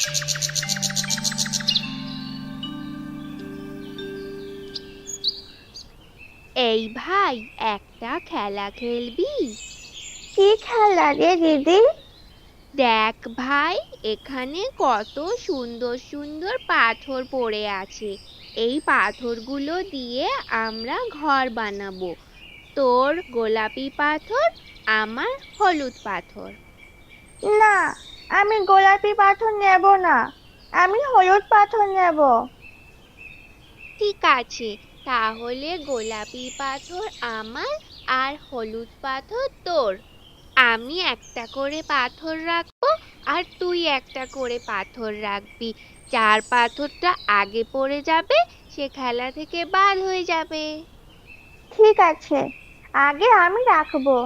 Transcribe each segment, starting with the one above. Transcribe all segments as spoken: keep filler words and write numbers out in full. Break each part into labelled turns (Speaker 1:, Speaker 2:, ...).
Speaker 1: এই ভাই, একটা খেলা খেলবি?
Speaker 2: কি খেলা রে দিদি?
Speaker 1: দেখ ভাই, এখানে কত সুন্দর সুন্দর পাথর পড়ে আছে। এই পাথরগুলো দিয়ে আমরা ঘর বানাবো। তোর গোলাপি পাথর, আমার হলুদ পাথর।
Speaker 2: না, আমি গোলাপি পাথর নেব না, আমি হলুদ পাথর নেব।
Speaker 1: ঠিক আছে, তাহলে গোলাপি পাথর আমার আর হলুদ পাথর তোর। আমি একটা করে পাথর রাখবো আর তুই একটা করে পাথর রাখবি। যার পাথরটা আগে পড়ে যাবে সে খেলা থেকে বাদ হয়ে যাবে।
Speaker 2: ঠিক আছে, আগে আমি রাখবো।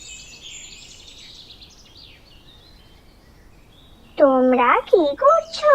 Speaker 2: তোমরা কি করছো?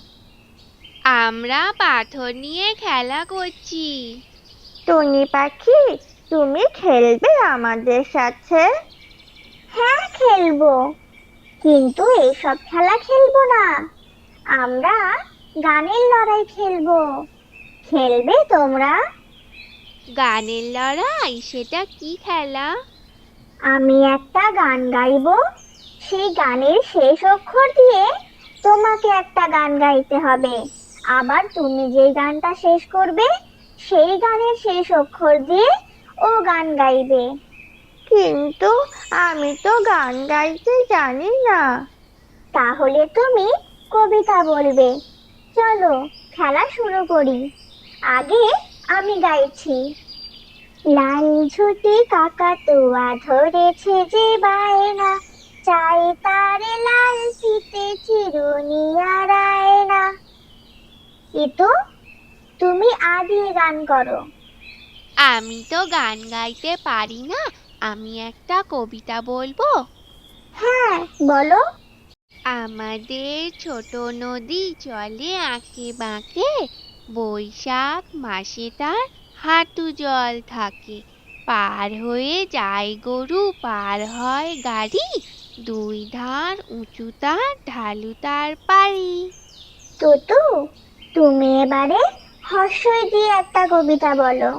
Speaker 1: আমরা পাথর নিয়ে খেলা করছি।
Speaker 2: টুনি পাখি, তুমি খেলবে আমাদের সাথে? হ্যাঁ, খেলবো, কিন্তু এইসব খেলা খেলবো না। আমরা গানের লড়াই খেলবো। খেলবে তোমরা?
Speaker 1: গানের লড়াই? সেটা কি খেলা?
Speaker 2: আমি একটা গান গাইবো, সেই গানের শেষ অক্ষর দিয়ে তোমাকে একটা গান গাইতে হবে। আবার তুমি যে গানটা শেষ করবে সেই গানের শেষ অক্ষর দিয়ে ও গান গাইবে। কিন্তু আমি তো গান গাইতে জানি না। তাহলে তুমি কবিতা বলবে। চলো, খেলা শুরু করি। আগে আমি গাইছি। লাল ঝুঁটি কাকাতুয়া ধরেছে যে বায়না, চাই তারে লাল ফিতে চিরুনি আর আয়না। ইতু, তুমি আ দিয়ে গান করো।
Speaker 1: আমি তো গান গাইতে পারি না, আমি একটা কবিতা বলবো।
Speaker 2: হ্যাঁ, বলো।
Speaker 1: আমাদের ছোট নদী চলে আঁকে বাঁকে, বৈশাখ মাসে তার হাঁটু জল থাকে। পার হয়ে যায় গরু, পার হয় গাড়ি, দুই ধার উঁচু তার, ঢালু তার পাড়ি।
Speaker 2: টুটু, তুমি এবারে হর্ষই দিয়ে একটা কবিতা বলো।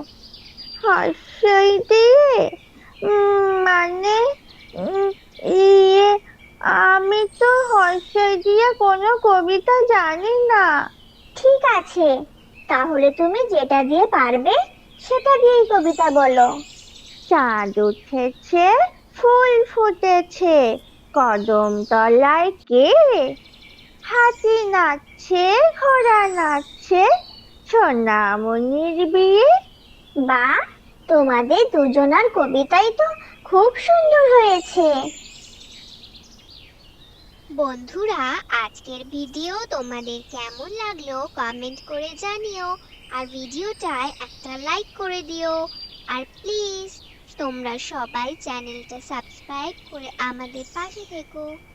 Speaker 2: হর্ষই দিয়ে? উম, মানে উম, ইয়ে আমি তো হর্ষই দিয়ে কোনো কবিতা জানি না। ঠিক আছে, তাহলে তুমি যেটা দিয়ে পারবে সেটা দিয়েই কবিতা বলো। চাঁদ উঠেছে, ফুল ফুটেছে, কদম তলায় কে? হাতি নাচছে, ঘোড়া নাচছে, সোনামণির বিয়ে। বা, তোমাদের দুজনার কবিতাই তো খুব সুন্দর হয়েছে।
Speaker 3: বন্ধুরা, আজকের ভিডিও তোমাদের কেমন লাগলো কমেন্ট করে জানিও। আর ভিডিওটায় একটা লাইক করে দিও। আর প্লিজ তোমরা সবাই চ্যানেলটা সাবস্ক্রাইব করে আমাদের পাশে থেকো।